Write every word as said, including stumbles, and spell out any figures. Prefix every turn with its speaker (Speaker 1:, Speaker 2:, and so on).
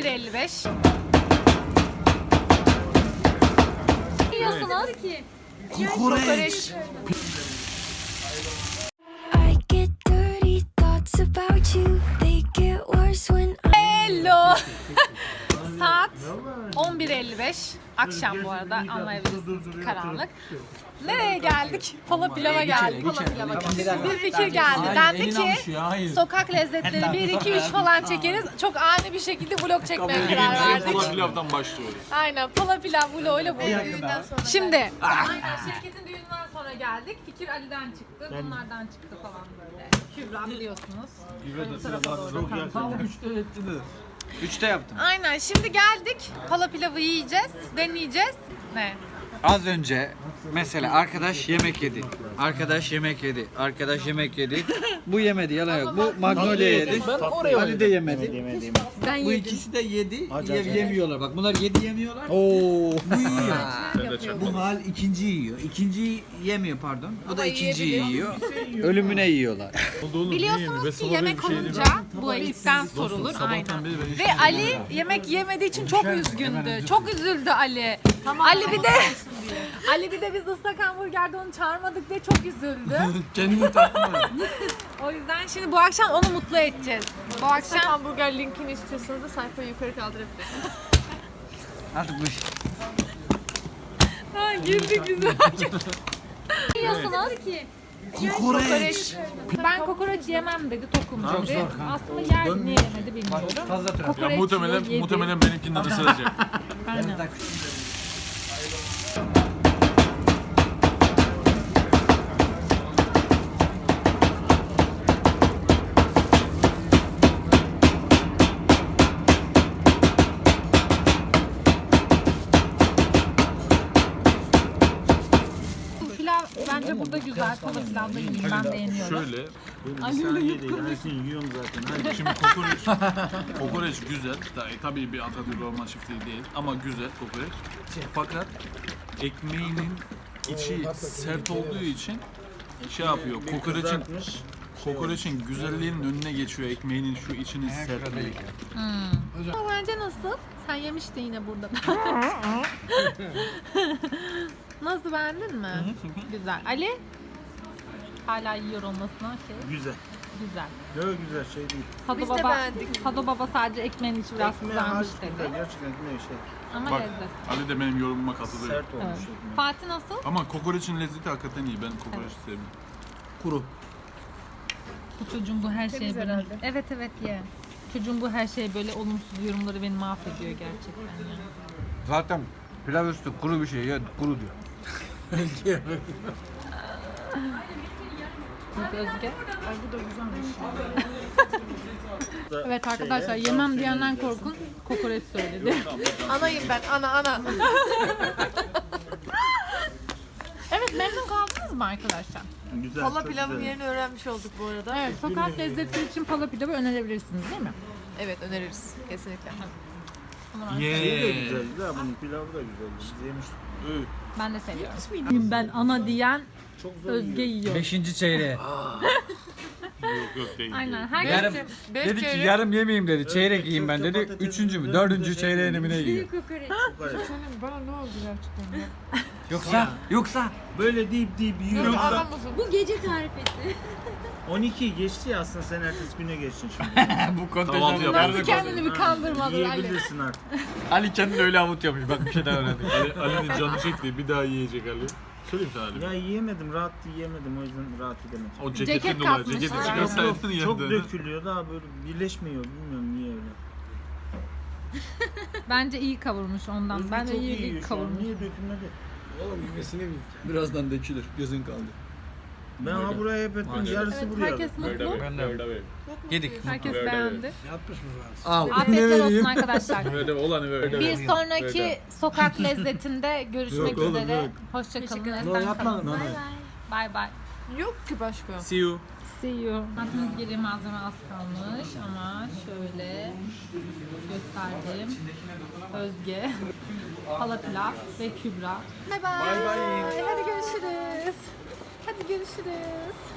Speaker 1: elli beş. Ne yiyorsunuz?
Speaker 2: Kokoreç.
Speaker 1: Hello. Saat on bir elli beş. Akşam bu arada, anlayabilirsiniz, karanlık. Nereye geldik? Pala pilava geldik. Bir fikir geldi. Dendi ki sokak lezzetleri bir iki üç falan çekeriz. Çok ani bir şekilde vlog çekmeye karar verdik.
Speaker 3: Pala pilavdan başlıyoruz.
Speaker 1: Aynen, pala pilav vloguyla buradayız. Şimdi aynen şirketin düğününden sonra geldik. Fikir Ali'den çıktı. Bunlardan çıktı falan böyle. Kübra biliyorsunuz. Ön tarafa doğru kanka.
Speaker 2: Üçte yaptım.
Speaker 1: Aynen, şimdi geldik. Pala pilavı yiyeceğiz, deneyeceğiz. Ne?
Speaker 2: Az önce mesela arkadaş yemek yedi. Arkadaş yemek yedi. Arkadaş yemek yedi. Bu yemedi, yalan yok. Bu Magnolia yedi. Ali de yemedi.
Speaker 1: Ben
Speaker 2: Bu
Speaker 1: yedim.
Speaker 2: ikisi de yedi. Ye- yemiyorlar. Bak bunlar yedi yemiyorlar.
Speaker 4: Oo.
Speaker 2: Bu yiyor.
Speaker 1: Yapıyorum.
Speaker 2: Bu hal ikinci yiyor. İkinci yemiyor pardon. Bu da ikinciyi yiyor. Ölümüne yiyorlar.
Speaker 1: Biliyorsunuz ki yemek olunca bu ilkten sorulur. Aynen. Ve Ali yemek yemediği için çok üzgündü. Çok üzüldü Ali. Ali bir de Ali bir de biz ıslak hamburgerde onu çağırmadık diye çok üzüldü.
Speaker 2: Kendini tatlı.
Speaker 1: O yüzden şimdi bu akşam onu mutlu edeceğiz. Bu akşam
Speaker 5: Hamburger linkini istiyorsanız da sayfayı yukarı kaldırabilirsiniz.
Speaker 2: Artık bu
Speaker 1: ha, girdik biz. Ne yiyorsunuz?
Speaker 4: Kokoreç.
Speaker 1: Ben kokoreç yemem dedi, tokum dedi. Aslında yer niye yemedi bilmiyorum.
Speaker 2: fazla trafik.
Speaker 1: Kokoreç
Speaker 3: Ya muhtemelen
Speaker 1: yiyor, yedi.
Speaker 3: muhtemelen benimkinden ısıracak.
Speaker 1: Aynen. Pilav bence burada güzel. Pala pilavda yiyeyim, ben beğeniyorum.
Speaker 3: Şöyle,
Speaker 4: Sen yedi. Yani yiyorum zaten. Hadi.
Speaker 3: şimdi kokoreç, kokoreç güzel. Ta- Tabii bir Atatürk Orman Çiftliği değil ama güzel kokoreç. Fakat ekmeğinin içi sert olduğu için şey yapıyor. Kokoreçin kokoreçin güzelliğinin önüne geçiyor ekmeğinin şu içinin sertliği.
Speaker 1: Ama bence nasıl? Sen yemiştin yine burada. Nasıl, beğendin mi? Güzel. Ali? Hala yiyor olmasına şey.
Speaker 4: Güzel.
Speaker 1: Güzel.
Speaker 4: Yok güzel şey değil.
Speaker 1: Sado
Speaker 5: Biz de
Speaker 1: baba,
Speaker 5: beğendik.
Speaker 1: Sado baba sadece ekmeğin içi biraz
Speaker 4: Ekmeği
Speaker 1: kızarmış
Speaker 4: harika
Speaker 1: dedi.
Speaker 4: güzel. Gerçekten ekmeği şey.
Speaker 1: Ama
Speaker 3: Bak
Speaker 1: lezzet.
Speaker 3: Ali de benim yorumuma katılıyor.
Speaker 4: Sert olmuş
Speaker 1: Evet.
Speaker 4: ekmeği.
Speaker 1: Fatih nasıl?
Speaker 3: Ama kokoreçin lezzeti hakikaten iyi. Ben kokoreç sevmiyorum.
Speaker 4: Kuru.
Speaker 1: Bu çocuğun bu her şeyi böyle...
Speaker 5: herhalde.
Speaker 1: Evet evet ye. Çocuğun bu her şey böyle olumsuz yorumları beni mahvediyor gerçekten ya.
Speaker 2: Zaten pilav üstü kuru bir şey ya kuru diyor.
Speaker 1: Özge.
Speaker 5: Ay bu da güzelmiş.
Speaker 1: Evet arkadaşlar, yemem diyenden korkun, kokoreç söyledi.
Speaker 5: Anayım ben, ana ana.
Speaker 1: Evet, memnun kaldınız mı arkadaşlar?
Speaker 4: Güzel.
Speaker 5: Pala
Speaker 4: çok
Speaker 5: pilavın
Speaker 4: güzel.
Speaker 5: yerini öğrenmiş olduk bu arada.
Speaker 1: Evet, sokak lezzeti için pala pilavı önerebilirsiniz değil mi?
Speaker 5: Evet, öneririz kesinlikle.
Speaker 4: Şeyi de güzel. Ya bunun pilavı da güzel. Biz yemiştik.
Speaker 1: Ben de seviyorum. Ben ana diyen
Speaker 4: Çok zor
Speaker 1: Özge
Speaker 4: yiyor.
Speaker 1: yiyor.
Speaker 2: Beşinci çeyreğe.
Speaker 3: Yok yok değil.
Speaker 1: Aynen.
Speaker 3: değil.
Speaker 2: Yarım,
Speaker 1: Herkes
Speaker 5: Beş
Speaker 2: dedi ki
Speaker 5: çeyrek-
Speaker 2: yarım yemeyeyim dedi. Çeyrek yiyeyim ben dedi.
Speaker 4: Köfte,
Speaker 2: Üçüncü mü?
Speaker 4: patates,
Speaker 2: Dördüncü
Speaker 4: güzel
Speaker 2: çeyreğini mi ne
Speaker 4: yiyor.
Speaker 2: yiyor?
Speaker 4: Kokoreç.
Speaker 5: Bana ne oldu gerçekten ya?
Speaker 2: Yoksa, yoksa.
Speaker 4: Böyle deyip deyip yiyor.
Speaker 5: Adam mısın?
Speaker 6: Bu gece tarifesi.
Speaker 4: on iki geçti ya aslında sen ertesi güne geçtin şimdi.
Speaker 2: Bu
Speaker 3: Kahvaltı
Speaker 2: kontenjan
Speaker 3: yapalım.
Speaker 1: Nasıl kendini bir kandırmadın Ali?
Speaker 4: Yiyebilirsin artık.
Speaker 2: Ali kendini öyle avutuyormuş. Bak bir şey daha öğrendik.
Speaker 3: Ali, Ali'nin canı çekti. Bir daha yiyecek Ali. Söyleyeyim sana Ali.
Speaker 4: Ya yiyemedim, rahat yiyemedim o yüzden rahat edemedim.
Speaker 3: O
Speaker 1: Ceket
Speaker 3: ceketin dolayı.
Speaker 1: kasmış.
Speaker 3: Ceketi
Speaker 1: Aynen.
Speaker 3: çıkarsaydın
Speaker 4: Çok
Speaker 3: yerden.
Speaker 4: dökülüyor daha böyle birleşmiyor bilmiyorum niye öyle.
Speaker 1: Bence iyi kavurmuş ondan.
Speaker 4: Özgür
Speaker 1: Ben de
Speaker 4: çok
Speaker 1: iyi,
Speaker 4: yiyor
Speaker 1: iyi
Speaker 4: şu an,
Speaker 1: kavurmuş.
Speaker 4: niye dökülmedi?
Speaker 2: Oğlum yemesini bil. Birazdan dökülür. Gözün kaldı.
Speaker 4: Ben ha buraya hep ettim yarısı
Speaker 1: Evet,
Speaker 4: buraya.
Speaker 1: herkes mutlu.
Speaker 2: Yedik.
Speaker 1: Herkes
Speaker 3: Böyle,
Speaker 1: beğendi.
Speaker 2: Al.
Speaker 1: Afiyetler olsun arkadaşlar.
Speaker 3: Böyle olanı böyle.
Speaker 1: Bir sonraki sokak lezzetinde görüşmek
Speaker 4: Yok oğlum,
Speaker 1: üzere.
Speaker 4: yok.
Speaker 1: Hoşçakalın.
Speaker 5: Teşekkür
Speaker 1: Esen kalın.
Speaker 2: Bay
Speaker 1: Bay bay.
Speaker 5: Yok ki başka.
Speaker 3: See you.
Speaker 1: See you. Aklınız geri malzeme az kalmış ama şöyle gösterdim. Özge, Pala pilav ve Kübra. Bye bye. Hadi görüşürüz. Hadi görüşürüz.